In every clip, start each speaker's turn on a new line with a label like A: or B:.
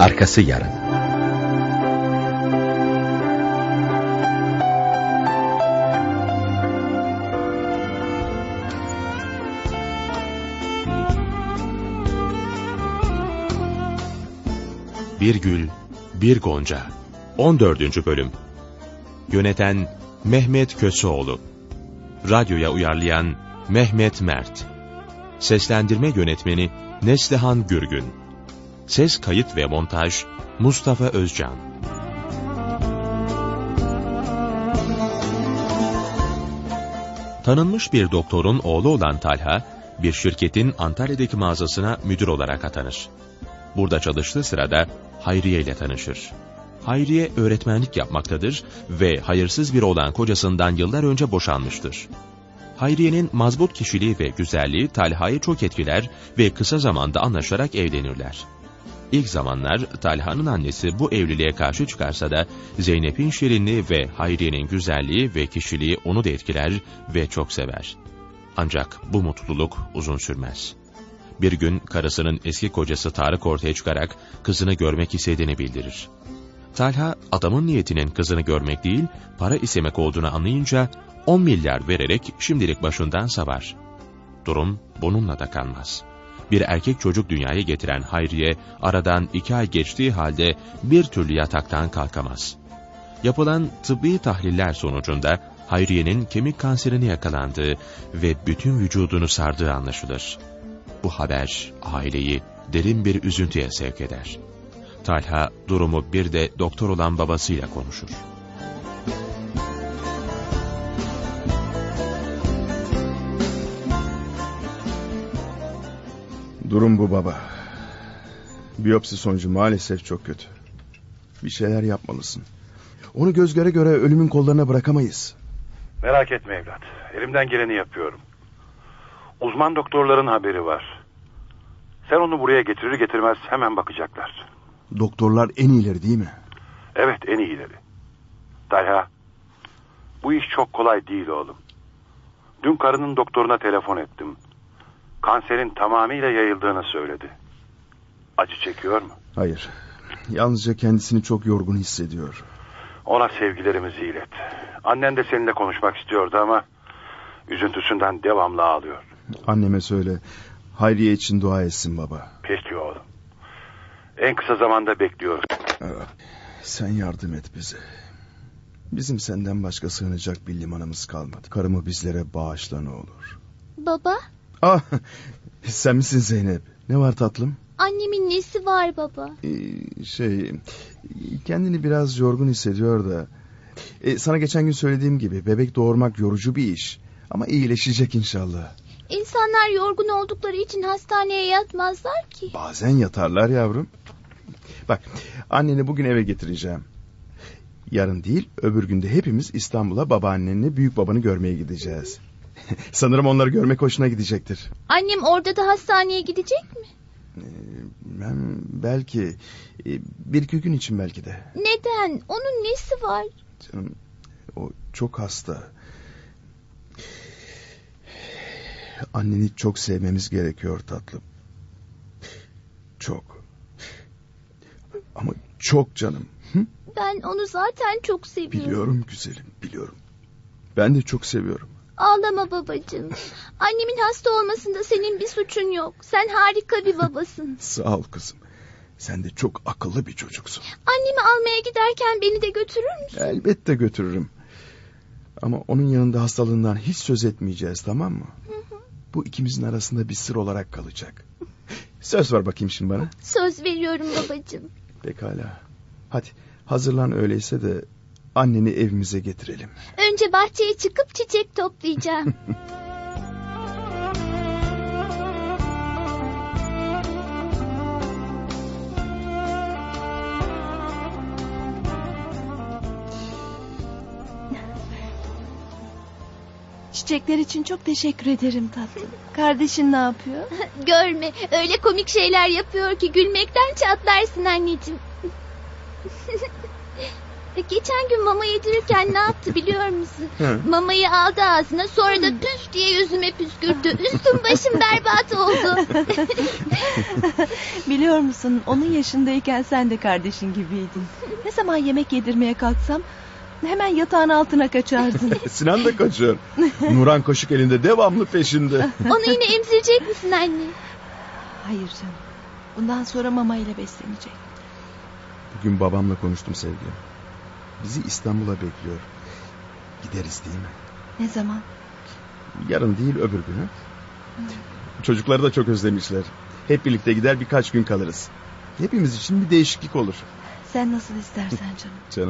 A: Arkası yarın.
B: Bir Gül, Bir Gonca 14. Bölüm. Yöneten Mehmet Köseoğlu. Radyoya uyarlayan Mehmet Mert. Seslendirme yönetmeni Neslihan Gürgün. Ses kayıt ve montaj Mustafa Özcan. Tanınmış bir doktorun oğlu olan Talha, bir şirketin Antalya'daki mağazasına müdür olarak atanır. Burada çalıştığı sırada Hayriye ile tanışır. Hayriye öğretmenlik yapmaktadır ve hayırsız biri olan kocasından yıllar önce boşanmıştır. Hayriye'nin mazbut kişiliği ve güzelliği Talha'yı çok etkiler ve kısa zamanda anlaşarak evlenirler. İlk zamanlar Talha'nın annesi bu evliliğe karşı çıkarsa da Zeynep'in şirinliği ve Hayriye'nin güzelliği ve kişiliği onu da etkiler ve çok sever. Ancak bu mutluluk uzun sürmez. Bir gün karısının eski kocası Tarık ortaya çıkarak kızını görmek istediğini bildirir. Talha adamın niyetinin kızını görmek değil, para istemek olduğunu anlayınca 10 milyar vererek şimdilik başından savar. Durum bununla da kalmaz. Bir erkek çocuk dünyaya getiren Hayriye aradan 2 ay geçtiği halde bir türlü yataktan kalkamaz. Yapılan tıbbi tahliller sonucunda Hayriye'nin kemik kanserine yakalandığı ve bütün vücudunu sardığı anlaşılır. Bu haber aileyi derin bir üzüntüye sevk eder. Talha durumu bir de doktor olan babasıyla konuşur.
C: Durum bu baba. Biyopsi sonucu maalesef çok kötü. Bir şeyler yapmalısın. Onu göz göre göre ölümün kollarına bırakamayız.
D: Merak etme evlat. Elimden geleni yapıyorum. Uzman doktorların haberi var. Sen onu buraya getirir getirmez hemen bakacaklar.
C: Doktorlar en iyileri değil mi?
D: Evet, en iyileri. Talha, bu iş çok kolay değil oğlum. Dün karının doktoruna telefon ettim. Kanserin tamamıyla yayıldığını söyledi. Acı çekiyor mu?
C: Hayır. Yalnızca kendisini çok yorgun hissediyor.
D: Ona sevgilerimizi ilet. Annen de seninle konuşmak istiyordu ama üzüntüsünden devamlı ağlıyor.
C: Anneme söyle. Hayriye için dua etsin baba.
D: Peki oğlum. En kısa zamanda bekliyoruz.
C: Sen yardım et bize. Bizim senden başka sığınacak bir limanımız kalmadı. Karımı bizlere bağışla ne olur.
E: Baba?
C: Ah, sen misin Zeynep? Ne var tatlım?
E: Annemin nesi var baba?
C: Kendini biraz yorgun hissediyor da. Sana geçen gün söylediğim gibi bebek doğurmak yorucu bir iş. Ama iyileşecek inşallah.
E: İnsanlar yorgun oldukları için hastaneye yatmazlar ki.
C: Bazen yatarlar yavrum. Bak, anneni bugün eve getireceğim. Yarın değil, öbür günde hepimiz İstanbul'a babaannenle büyük babanı görmeye gideceğiz. Sanırım onları görmek hoşuna gidecektir.
E: Annem orada da hastaneye gidecek mi?
C: Belki bir iki gün için belki de.
E: Neden? Onun nesi var?
C: Canım, o çok hasta. Anneni çok sevmemiz gerekiyor tatlım. Çok. Ama çok canım. Hı?
E: Ben onu zaten çok seviyorum.
C: Biliyorum güzelim, biliyorum. Ben de çok seviyorum.
E: Ağlama babacığım. Annemin hasta olmasında senin bir suçun yok. Sen harika bir babasın.
C: Sağ ol kızım. Sen de çok akıllı bir çocuksun.
E: Annemi almaya giderken beni de götürür müsün?
C: Elbette götürürüm. Ama onun yanında hastalığından hiç söz etmeyeceğiz, tamam mı? Bu ikimizin arasında bir sır olarak kalacak. Söz ver bakayım şimdi bana.
E: Söz veriyorum babacığım.
C: Pekala. Hadi hazırlan öyleyse de anneni evimize getirelim.
E: Önce bahçeye çıkıp çiçek toplayacağım.
F: Çiçekler için çok teşekkür ederim tatlım. Kardeşin ne yapıyor?
E: Görme, öyle komik şeyler yapıyor ki gülmekten çatlarsın anneciğim. Geçen gün mama yedirirken ne yaptı biliyor musun? Mamayı aldı ağzına, sonra da püf diye yüzüme püskürttü. Üstüm başım berbat oldu.
F: Biliyor Biliyor musun, onun yaşındayken sen de kardeşin gibiydin. Ne zaman yemek yedirmeye kalksam hemen yatağın altına kaçardın.
C: Sinan da kaçıyor. Nuran kaşık elinde devamlı peşinde.
E: Onu yine emzirecek misin anne?
F: Hayır canım. Bundan sonra mama ile beslenecek.
C: Bugün babamla konuştum sevgilim. Bizi İstanbul'a bekliyor. Gideriz değil mi?
F: Ne zaman?
C: Yarın değil öbür günü. Çocukları da çok özlemişler. Hep birlikte gider birkaç gün kalırız. Hepimiz için bir değişiklik olur.
F: Sen nasıl istersen canım.
C: Canım.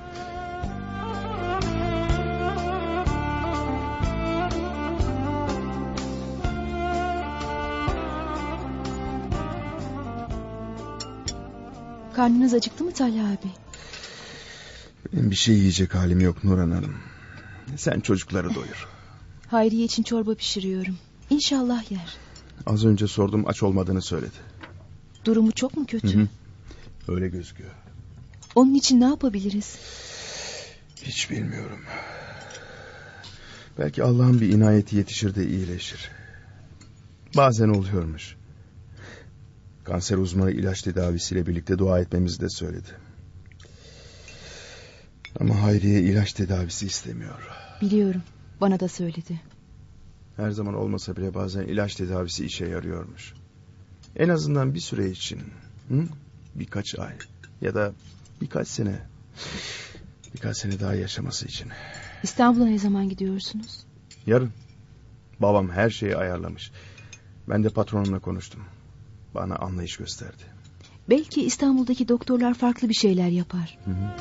A: Karnınız acıktı mı Talha abi?
C: Benim bir şey yiyecek halim yok Nurhan Hanım. Sen çocukları doyur.
A: Hayriye için çorba pişiriyorum. İnşallah yer.
C: Az önce sordum, aç olmadığını söyledi.
A: Durumu çok mu kötü?
C: Hı hı. Öyle gözüküyor.
A: Onun için ne yapabiliriz?
C: Hiç bilmiyorum. Belki Allah'ın bir inayeti yetişir de iyileşir. Bazen oluyormuş. Kanser uzmanı ilaç tedavisiyle birlikte dua etmemizi de söyledi. Ama Hayriye ilaç tedavisi istemiyor.
A: Biliyorum. Bana da söyledi.
C: Her zaman olmasa bile bazen ilaç tedavisi işe yarıyormuş. En azından bir süre için. Hı? Birkaç ay ya da birkaç sene. Birkaç sene daha yaşaması için.
A: İstanbul'a ne zaman gidiyorsunuz?
C: Yarın. Babam her şeyi ayarlamış. Ben de patronumla konuştum. Bana anlayış gösterdi.
A: Belki İstanbul'daki doktorlar farklı bir şeyler yapar.
C: Hı hı.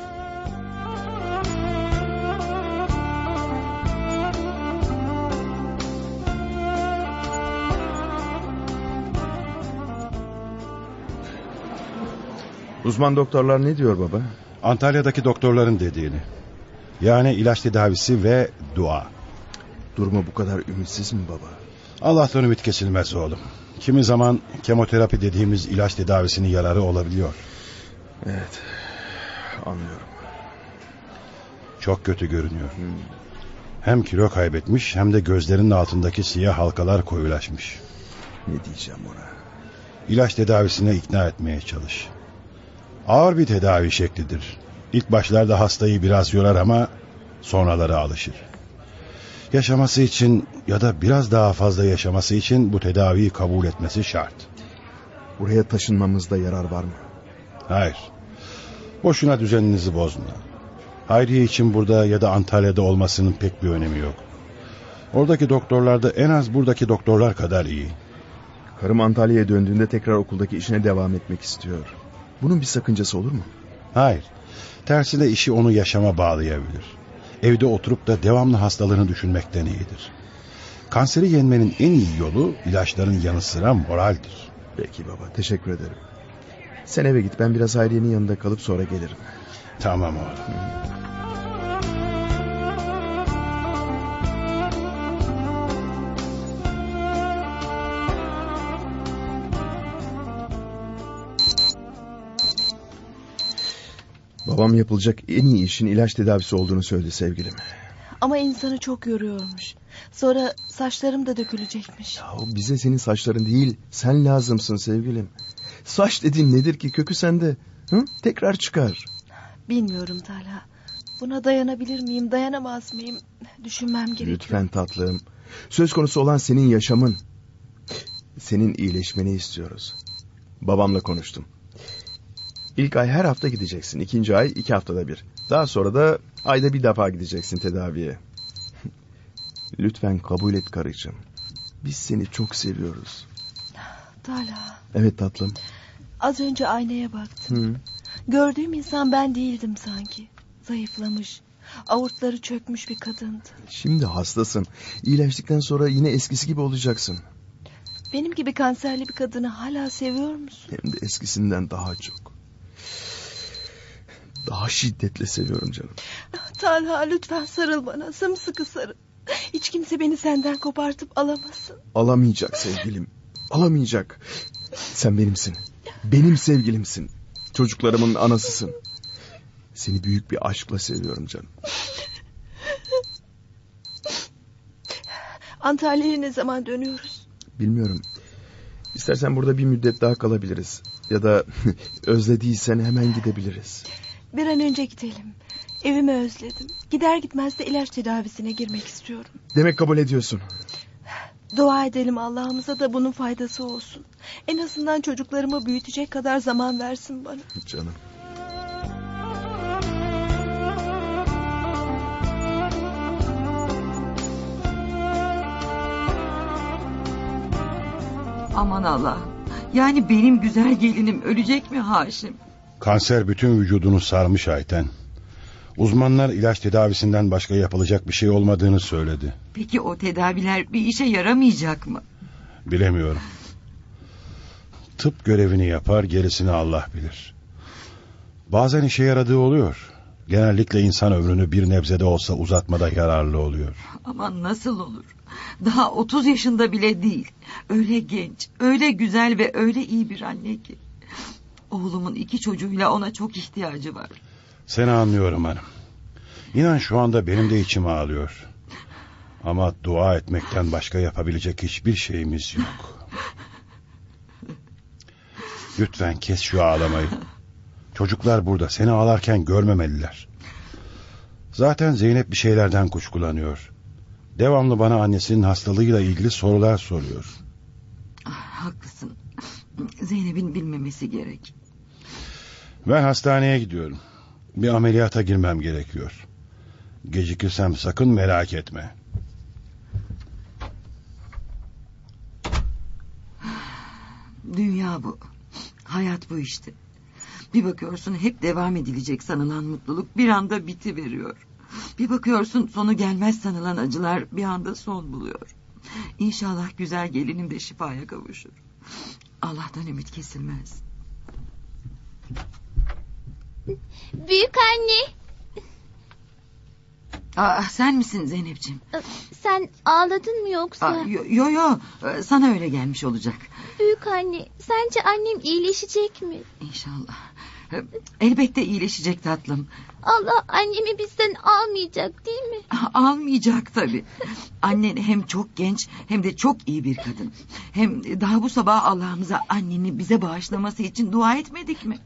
C: Uzman doktorlar ne diyor baba?
G: Antalya'daki doktorların dediğini. Yani ilaç tedavisi ve dua.
C: Durumu bu kadar ümitsiz mi baba?
G: Allah'tan ümit kesilmez oğlum. Kimi zaman kemoterapi dediğimiz ilaç tedavisinin yararı olabiliyor.
C: Evet, anlıyorum.
G: Çok kötü görünüyor. Hem kilo kaybetmiş hem de gözlerinin altındaki siyah halkalar koyulaşmış.
C: Ne diyeceğim ona?
G: İlaç tedavisine ikna etmeye çalış. Ağır bir tedavi şeklidir. İlk başlarda hastayı biraz yorar ama sonraları alışır. Yaşaması için ya da biraz daha fazla yaşaması için bu tedaviyi kabul etmesi şart.
C: Buraya taşınmamızda yarar var mı?
G: Hayır. Boşuna düzeninizi bozma. Hayriye için burada ya da Antalya'da olmasının pek bir önemi yok. Oradaki doktorlar da en az buradaki doktorlar kadar iyi.
C: Karım Antalya'ya döndüğünde tekrar okuldaki işine devam etmek istiyor. Bunun bir sakıncası olur mu?
G: Hayır. Tersine işi onu yaşama bağlayabilir. Evde oturup da devamlı hastalığını düşünmekten iyidir. Kanseri yenmenin en iyi yolu ilaçların yanı sıra moraldir.
C: Peki baba, teşekkür ederim. Sen eve git, ben biraz Hayriye'nin yanında kalıp sonra gelirim.
G: Tamam oğlum.
C: Babam yapılacak en iyi işin ilaç tedavisi olduğunu söyledi sevgilim.
F: Ama insanı çok yoruyormuş. Sonra saçlarım da dökülecekmiş.
C: Ya bize senin saçların değil, sen lazımsın sevgilim. Saç dediğin nedir ki, kökü sende. Hı? Tekrar çıkar.
F: Bilmiyorum Talha. Buna dayanabilir miyim, dayanamaz mıyım? Düşünmem gerekiyor.
C: Lütfen tatlım. Söz konusu olan senin yaşamın. Senin iyileşmeni istiyoruz. Babamla konuştum. İlk ay her hafta gideceksin. 2. ay 2 haftada bir. Daha sonra da ayda bir defa gideceksin tedaviye. Lütfen kabul et karıcığım. Biz seni çok seviyoruz.
F: Talha,
C: Evet tatlım.
F: az önce aynaya baktım.
C: Hı.
F: Gördüğüm insan ben değildim sanki. Zayıflamış, avurtları çökmüş bir kadındı.
C: Şimdi hastasın. İyileştikten sonra yine eskisi gibi olacaksın.
F: Benim gibi kanserli bir kadını hala seviyor musun?
C: Hem de eskisinden daha çok. Daha şiddetle seviyorum canım.
F: Talha, lütfen sarıl bana, sımsıkı sarıl. Hiç kimse beni senden kopartıp alamasın.
C: Alamayacak sevgilim. Alamayacak. Sen benimsin. Benim sevgilimsin. Çocuklarımın anasısın. Seni büyük bir aşkla seviyorum canım.
F: Antalya'ya ne zaman dönüyoruz?
C: Bilmiyorum. İstersen burada bir müddet daha kalabiliriz. Ya da özlediysen hemen gidebiliriz.
F: Bir an önce gidelim. Evimi özledim. Gider gitmez de ilaç tedavisine girmek istiyorum.
C: Demek kabul ediyorsun.
F: Dua edelim Allah'ımıza da bunun faydası olsun. En azından çocuklarımı büyütecek kadar zaman versin bana.
C: Canım.
H: Aman Allah. Yani benim güzel gelinim ölecek mi Haşim?
G: Kanser bütün vücudunu sarmış Ayten. Uzmanlar ilaç tedavisinden başka yapılacak bir şey olmadığını söyledi.
H: Peki o tedaviler bir işe yaramayacak mı?
G: Bilemiyorum. Tıp görevini yapar, gerisini Allah bilir. Bazen işe yaradığı oluyor. Genellikle insan ömrünü bir nebze de olsa uzatmada yararlı oluyor.
H: Aman nasıl olur? Daha 30 yaşında bile değil. Öyle genç, öyle güzel ve öyle iyi bir anne ki. Oğlumun 2 çocuğuyla ona çok ihtiyacı var.
G: Seni anlıyorum hanım. İnan şu anda benim de içim ağlıyor. Ama dua etmekten başka yapabilecek hiçbir şeyimiz yok. Lütfen kes şu ağlamayı. Çocuklar burada, seni ağlarken görmemeliler. Zaten Zeynep bir şeylerden kuşkulanıyor. Devamlı bana annesinin hastalığıyla ilgili sorular soruyor.
H: Haklısın. Zeynep'in bilmemesi gerek.
G: Ben hastaneye gidiyorum. Bir ameliyata girmem gerekiyor. Gecikirsem sakın merak etme.
H: Dünya bu. Hayat bu işte. Bir bakıyorsun hep devam edilecek sanılan mutluluk bir anda bitiveriyor. Bir bakıyorsun sonu gelmez sanılan acılar bir anda son buluyor. İnşallah güzel gelinim de şifaya kavuşur. Allah'tan ümit kesilmez.
E: Büyük anne.
H: Sen misin Zeynepciğim?
E: Sen ağladın mı yoksa?
H: Yo, sana öyle gelmiş olacak.
E: Büyük anne, sence annem iyileşecek mi?
H: İnşallah. Elbette iyileşecek tatlım.
E: Allah annemi bizden almayacak değil mi?
H: Almayacak tabii. Annen hem çok genç hem de çok iyi bir kadın. Hem daha bu sabah Allah'ımıza anneni bize bağışlaması için dua etmedik mi?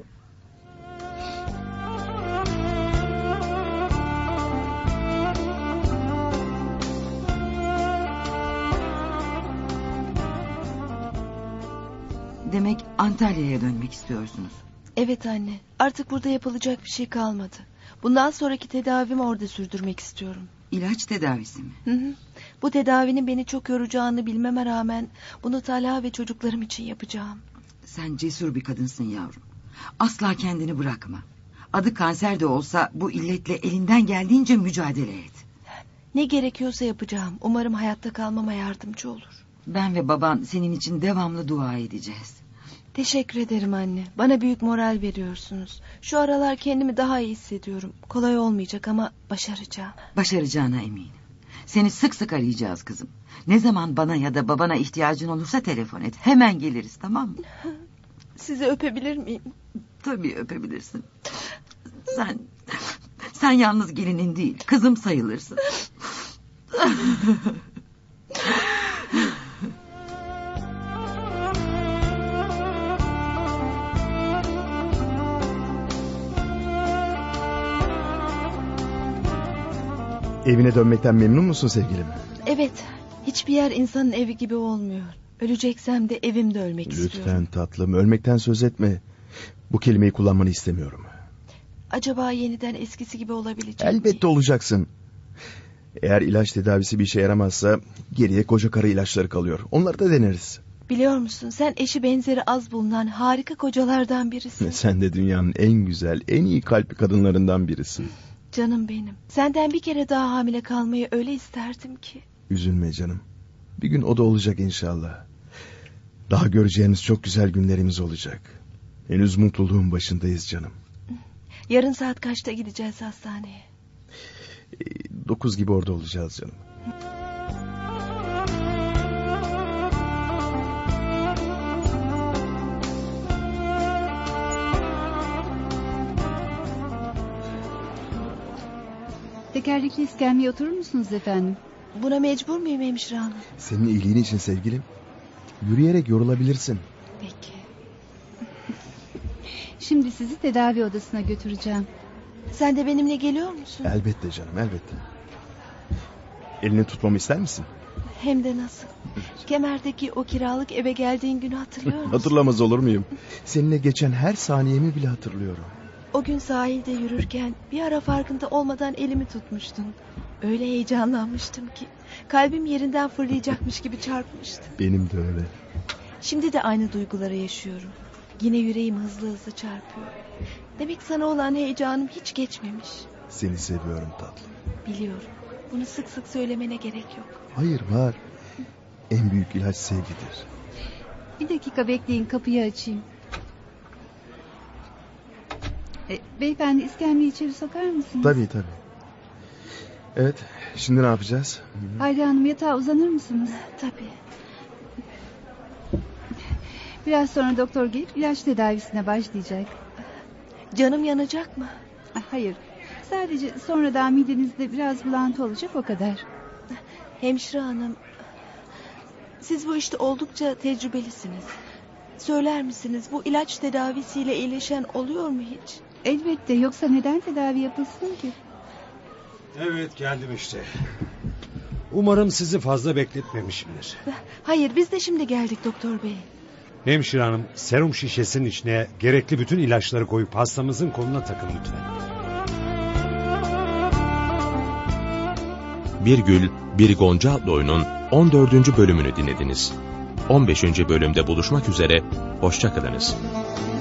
H: Demek Antalya'ya dönmek istiyorsunuz.
F: Evet anne. Artık burada yapılacak bir şey kalmadı. Bundan sonraki tedavimi orada sürdürmek istiyorum.
H: İlaç tedavisi mi?
F: Hı. Bu tedavinin beni çok yoracağını bilmeme rağmen bunu Talha ve çocuklarım için yapacağım.
H: Sen cesur bir kadınsın yavrum. Asla kendini bırakma. Adı kanser de olsa bu illetle elinden geldiğince mücadele et.
F: Ne gerekiyorsa yapacağım. Umarım hayatta kalmama yardımcı olur.
H: Ben ve baban senin için devamlı dua edeceğiz.
F: Teşekkür ederim anne. Bana büyük moral veriyorsunuz. Şu aralar kendimi daha iyi hissediyorum. Kolay olmayacak ama başaracağım.
H: Başaracağına eminim. Seni sık sık arayacağız kızım. Ne zaman bana ya da babana ihtiyacın olursa telefon et. Hemen geliriz, tamam mı?
F: Sizi öpebilir miyim?
H: Tabii öpebilirsin. Sen yalnız gelinin değil, kızım sayılırsın.
C: Evine dönmekten memnun musun sevgilim?
F: Evet. Hiçbir yer insanın evi gibi olmuyor. Öleceksem de evimde ölmek
C: Lütfen
F: istiyorum.
C: tatlım, ölmekten söz etme. Bu kelimeyi kullanmanı istemiyorum.
F: Acaba yeniden eskisi gibi olabilecek miyim?
C: Elbette olacaksın. Eğer ilaç tedavisi bir işe yaramazsa geriye koca karı ilaçları kalıyor. Onları da deneriz.
F: Biliyor musun, sen eşi benzeri az bulunan harika kocalardan birisin.
C: Sen de dünyanın en güzel, en iyi kalpli kadınlarından birisin.
F: Canım benim. Senden bir kere daha hamile kalmayı öyle isterdim ki.
C: Üzülme canım. Bir gün o da olacak inşallah. Daha göreceğimiz çok güzel günlerimiz olacak. Henüz mutluluğun başındayız canım.
F: Yarın saat kaçta gideceğiz hastaneye?
C: 9 gibi orada olacağız canım.
A: Tekerlekli iskemleye oturur musunuz efendim?
F: Buna mecbur muyum hemşire hanım?
C: Senin iyiliğin için sevgilim. Yürüyerek yorulabilirsin.
F: Peki.
I: Şimdi sizi tedavi odasına götüreceğim.
F: Sen de benimle geliyor musun?
C: Elbette canım, elbette. Elini tutmamı ister misin?
F: Hem de nasıl? Kemer'deki o kiralık eve geldiğin günü hatırlıyor musun?
C: Hatırlamaz olur muyum? Seninle geçen her saniyemi bile hatırlıyorum.
F: O gün sahilde yürürken bir ara farkında olmadan elimi tutmuştun. Öyle heyecanlanmıştım ki kalbim yerinden fırlayacakmış gibi çarpmıştı.
C: Benim de öyle.
F: Şimdi de aynı duyguları yaşıyorum. Yine yüreğim hızlı hızlı çarpıyor. Demek sana olan heyecanım hiç geçmemiş.
C: Seni seviyorum tatlım.
F: Biliyorum. Bunu sık sık söylemene gerek yok.
C: Hayır, var. En büyük ilaç sevgidir.
I: Bir dakika bekleyin, kapıyı açayım. Beyefendi, iskemleyi içeri sokar mısınız?
C: Tabii. Evet, şimdi ne yapacağız?
I: Hayri Hanım, yatağa uzanır mısınız?
F: Tabii.
I: Biraz sonra doktor gelip ilaç tedavisine başlayacak.
F: Canım yanacak mı?
I: Hayır. Sadece sonradan midenizde biraz bulantı olacak, o kadar.
F: Hemşire hanım, siz bu işte oldukça tecrübelisiniz. Söyler misiniz, bu ilaç tedavisiyle iyileşen oluyor mu hiç?
I: Elbette, yoksa neden tedavi yapılsın ki?
J: Evet, geldim işte. Umarım sizi fazla bekletmemişimdir.
F: Hayır, biz de şimdi geldik doktor bey.
J: Hemşire hanım, serum şişesinin içine gerekli bütün ilaçları koyup hastamızın koluna takın lütfen.
B: Bir Gül, Bir Gonca adlı oyunun 14. bölümünü dinlediniz. 15. bölümde buluşmak üzere, hoşça kalınız.